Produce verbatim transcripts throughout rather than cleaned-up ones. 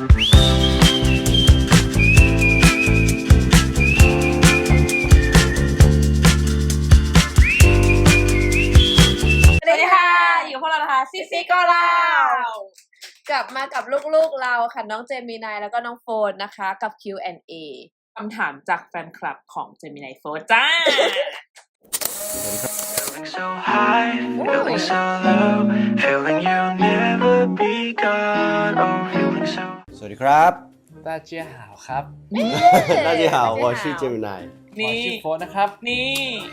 ซิซิก็เล่ากลับมากับลูกๆเราค่ะน้องเจมินายแล้วก็น้องโฟนนะคะกับ คิว แอนด์ เอ คำถามจากแฟนคลับของเจมินายโฟนจ้าสวัสดีครับ大家好ครับ大家好我是เจมินายนี่ชื่อโฟนนะครับนี่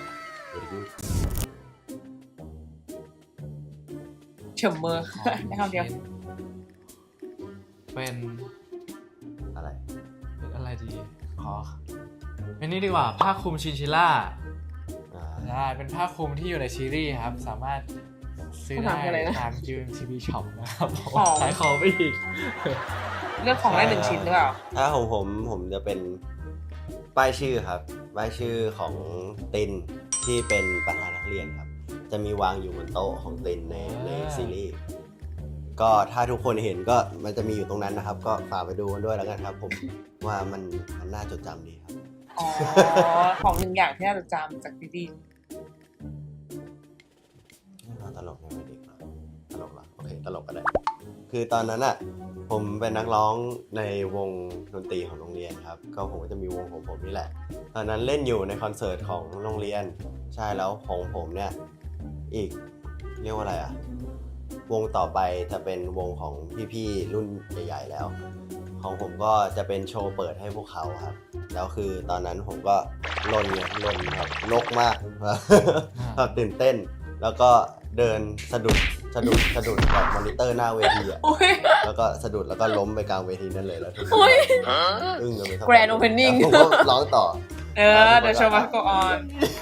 เฉมเมอร์ในคำเดียวเป็นอะไรเป็นอะไรดีขอเป็นนี่ดีกว่าผ้าคลุมชินชิล่าใช่เป็นผ้าคลุมที่อยู่ในซีรีส์ครับสามารถซื้อได้ตามจี เอ็ม ที วี ช็อปนะครับขายของไปอีกเลือกของได้หนึ่งชิ้นหรือเปล่าถ้าของผมผมจะเป็นป้ายชื่อครับป้ายชื่อของตินที่เป็นประธานนักเรียนครับจะมีวางอยู่บนโต๊ะของตินในในซีรีส์ก็ถ้าทุกคนเห็นก็มันจะมีอยู่ตรงนั้นนะครับก็ฝากไปดูกันด้วยแล้วกันครับผมว่ามันมันน่าจดจำดีครับอ๋อของหนึ่งอย่างที่น่าจดจำจากซีรีส์ตลกในวัยเด็กตลกเหรอโอเคตลกก็ได้คือตอนนั้นอ่ะผมเป็นนักร้องในวงดนตรีของโรงเรียนครับก็ผมก็จะมีวงของผมนี่แหละตอนนั้นเล่นอยู่ในคอนเสิร์ตของโรงเรียนใช่แล้วของผมเนี่ยอีกเรียกว่าอะไรอ่ะวงต่อไปจะเป็นวงของพี่ๆรุ่นใหญ่ๆแล้วของผมก็จะเป็นโชว์เปิดให้พวกเขาครับแล้วคือตอนนั้นผมก็ลนเนี่ยลนแบบลกมากแบบตื่นเต้นแล้วก็เดินสะดุดสะดุดสะดุดแบบมอนิเตอร์หน้าเวทีอ่ะแล้วก็สะดุดแล้วก็ล้มไปกลางเวทีนั่นเลยแล้วทุกคนอึ้งกันไปทั้ง Grand Opening ผมก็ร้องต่อเออ The show must go on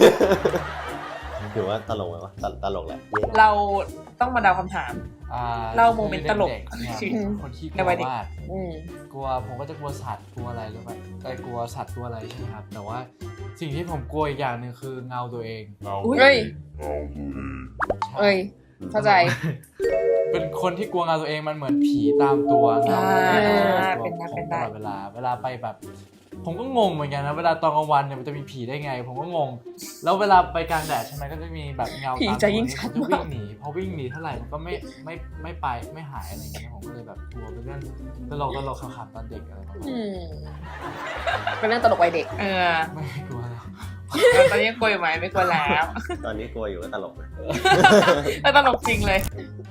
ถือว่าตลกไหมวะตลกแหละเราต้องมาเดาคำถามเล่าโมเมนต์ตลกคนที่กลัวมากกลัวผมก็จะกลัวสัตว์กลัวอะไรรู้ไหมไอ้กลัวสัตว์กลัวอะไรใช่ไหมครับแต่ว่าสิ่งที่ผมกลัวอีกอย่างหนึ่งคือเงาตัวเองเงาเฮ้ยเอ้ยเข้าใจเป็นคนที่กลัวเงาตัวเองมันเหมือนผีตามตัวเงาเป็นได้เป็นได้เวลาเวลาไปแบบผมก็งงเหมือนกันนะเวลาตอนกลางวันเนี่ยมันจะมีผีได้ไงผมก็งงแล้วเวลาไปกลางแดดใช่ไหมก็จะมีแบบเงาตามตัวจะวิ่งหนีพอวิ่งหนีเท่าไหร่มันก็ไม่ไม่ไม่ไปไม่หายอะไรอย่างเงี้ยผมก็เลยแบบกลัวเป็นเรื่องตลกตลกขำๆตอนเด็กอะไรประมาณนี้เป็นเรื่องตลกวัยเด็กเออไม่กลัวแล้วตอนนี้กลัวอยู่ไหมไม่กลัวแล้วตอนนี้กลัวอยู่ก็ตลกเลยก็ตลกจริงเลย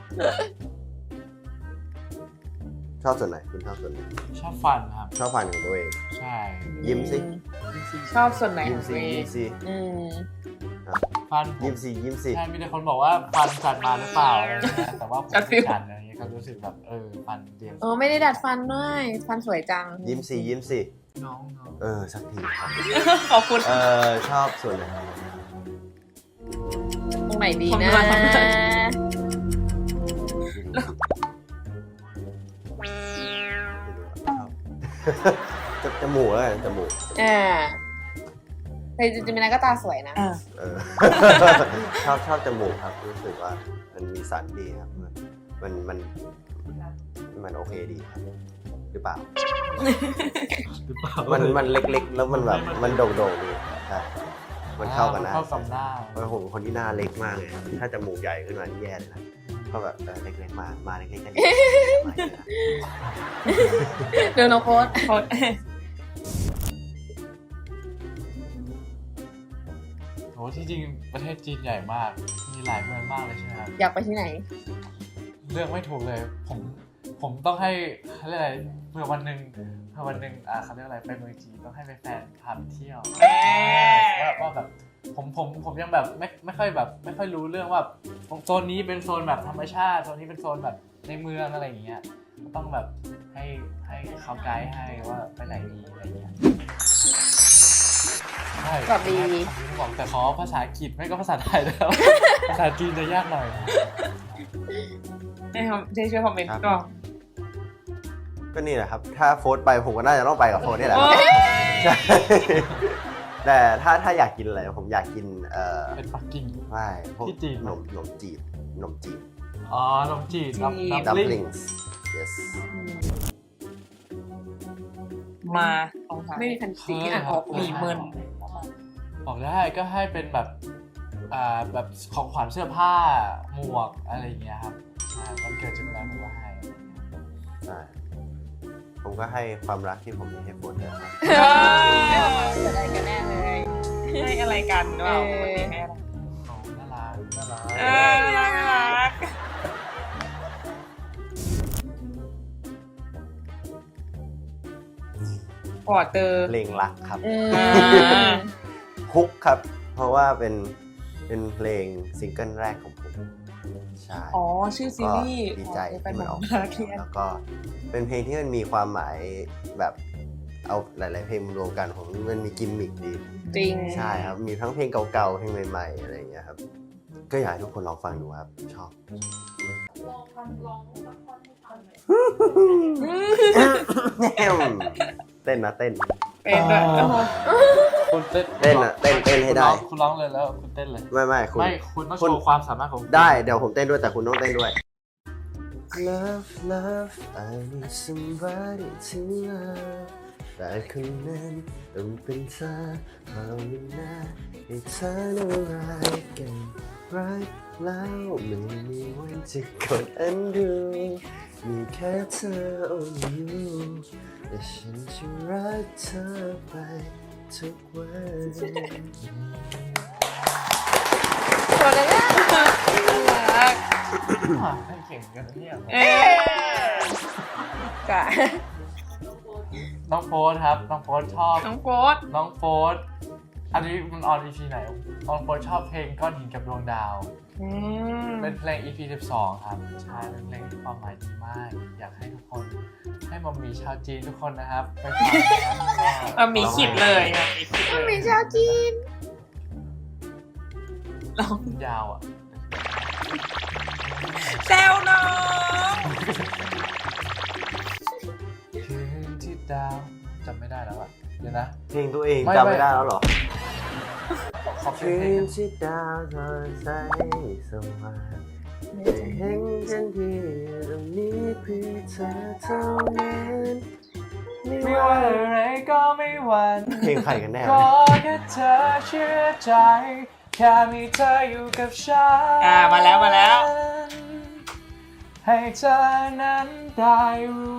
ชอบส่วนไหนคุณชอบส่วนไหนชอบฟันครับชอบฟันของตัวเองใช่ยิ้มสิชอบส่วนไหนยิ้มสิยิ้มสิฟันยิ้มสิยิ้มสิใช่มีแต่คนบอกว่าฟันจัดมาหรือเปล่าอะไรเงี้ยแต่ว่าผมไม่จัดอะไรเงี้ยก็รู้สึกแบบเออฟันเดียวเออไม่ได้ดัดฟันด้วยฟันสวยจังยิ้มสิยิ้มสิน้องเออสักทีครับขอบคุณเออชอบส่วนไหนตรงไหนดีนะจมูกแล้วจมูกอ่าแต่จริงๆมันก็ตาสวยนะเออชอบชอบจมูกครับรู้สึกว่ามันมีสันดีครับมันมันมันโอเคดีครับหรือเปล่ามันมันเล็กๆแล้วมันแบบมันโด่งๆดีใช่มันเข้ากันนะเข้ากับหน้าเพราะผมเป็นคนที่หน้าเล็กมากเลยถ้าจมูกใหญ่ขึ้นมานี่แย่เลยนะก็แบบเล็กๆมามาเล็กๆกันเดี๋ยวน้องโพสโพสโอ้ที่จริงประเทศจีนใหญ่มากมีหลายเมืองมากเลยใช่ไหมครับอยากไปที่ไหนเลือกไม่ถูกเลยผมผมต้องให้อะไรเมื่อวันหนึ่งเมื่อวันหนึ่งอ่าเขาเรียกอะไรไปเมืองจีนต้องให้แฟนพาไปเที่ยวว่าว่าแบบผมผมผมยังแบบไม่ไม่ค่อยแบบไม่ค่อยรู้เรื่องว่าโซนนี้เป็นโซนแบบธรรมชาติโซนนี้เป็นโซนแบบในเมืองอะไรอย่างเงี้ยก็ต้องแบบให้ให้เขาไกด์ให้ว่าไปไหนดีอะไรอย่างเงี้ยใช่แบบดีบอกแต่ขอภาษาอังกฤษไม่ก็ภาษาไทยแล้วภาษาจีนจะยากหน่อยให้เขาได้ช่วยคอมเมนต์ก่อนก็นี่แหละครับถ้าโฟร์ไปผมก็น่าจะต้องไปกับโฟร์นี่แหละใช่แต่ถ้าถ้าอยากกินอะไรผมอยากกินเอ่อเป็นปักกิ่งไม่พวกขนมขนมจีบขนมจีบอ๋อขนมจีบดัมพลิงส์ yes มาลองถามไม่มีแฟนติกที่อ่านออกหมีเมินบอกได้ก็ให้เป็นแบบอ่าแบบของขวัญเสื้อผ้าหมวกอะไรอย่างเงี้ยครับใช่วันเกิดเจมินายผมก็ให้อะไรอย่างเงี้ยใช่ผมก็ให้ความรักที่ผมมีให้โฟนด้วยครับจะได้กันแน่เลยให้อะไรกันหรือเปล่าเออปกติให้อะไรโอ้น่ารักน่ารักเออน่ารัก พอเตอร์เพลงรักครับอือ่ามฮุกครับ เพราะว่าเป็นเป็นเพลงซิงเกิลแรกของผมใช่อ๋อชื่อซีก็รีส์ดีใจเป็นที่แบมันบออกนามาเคียนแล้วก็เป็นเพลงที่มันมีความหมายแบบเอาหลาย ๆ เพลงมารวมกันผมมันมีกิมมิคดีจริงใช่ครับ มีทั้งเพลงเก่าๆ เพลงใหม่ ๆ อะไรอย่างเงี้ยครับ ก็อยากให้ทุกคนลองฟังดูครับ ชอบ เต้นนะเต้นเป็นด้วยคุณเต้นเต้นอะเต้นเต้นให้ได้คุณร้องเลยแล้วคุณเต้นเลยไม่ไม่คุณไม่คุณต้องโชคุณว์ความสามารถของคุณได้เดี๋ยวผมเต้นด้วยแต่คุณต้องเต้นด้วย Love love I need somebody to love แต่คนนั้นต้องเป็นเธอภาวนาให้เธอน่ารักกันรักแล้วไม่มีวันจะกดอันดูมีแค่เธอ only you แต่ฉันจะรักเธอไปทุกวันโคนเลยอะรักอ่ะให้เก่งกันนะเนี่ยเอ๊ะกะน้องโฟสครับ น้องโฟสชอบน้องโฟสน้องโฟสอันนี้มันออน อี พี ไหนน้องโฟสชอบเพลงก้อนหินกับดวงดาวอืมเป็นเพลง อี พี สิบสอง ครับใช่เป็นเพลงที่ความหมายดีมาก อยากให้ทุกคน ให้มัมมี่ชาวจีนทุกคนนะครับ ไปฟังนะเออมีขิดเลยอ่ะมีขิดเลยมีชาวจีนยาวอ่ะแซวน้องคืนที่ดาวจำไม่ได้แล้วอ่ะ เดี๋ยวนะเพลงตัวเองไม่จำไม่ไม่ได้แล้วเหรอขอเพลคืงนที่ดาวสดใสสว่างได้เห็นฉันที่ตรงนี้เพื่อเธอเท่านั้นไม่ไม่ว่าว่าอะไรก็ไม่หวั่นเพลงใครกันแน่ก็แค่เธอเชื่อใจ แค่มีเธออยู่กับฉันอ่ามาแล้วมาแล้วให้เธอนั้นได้รู้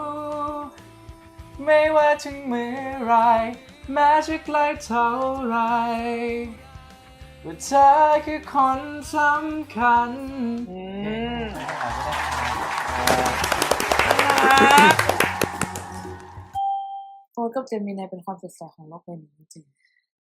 ไม่ว่าถึงเมื่อไรแม้จะไกลเท่าไรว่าเธอคือคนสำคัญอืมโฟนกับเจมินายเป็นความสดใสของโลกใบนี้จริง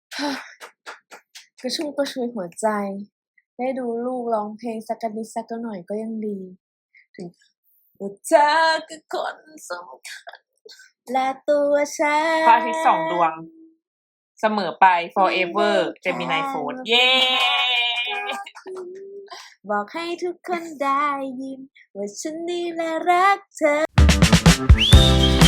กระชุ่มกระชวยหัวใจ ได้ดูลูกร้องเพลงสักกะนิดสักกะหน่อยก็ยังดี ถึงว่าเธอคือคนสำคัญ และตัวฉันพระอาทิตย์สองดวง เสมอไป forever เจมินายโฟนเย้บอกให้ทุกคนได้ยิน ว่าฉันนี่แหละรักเธอ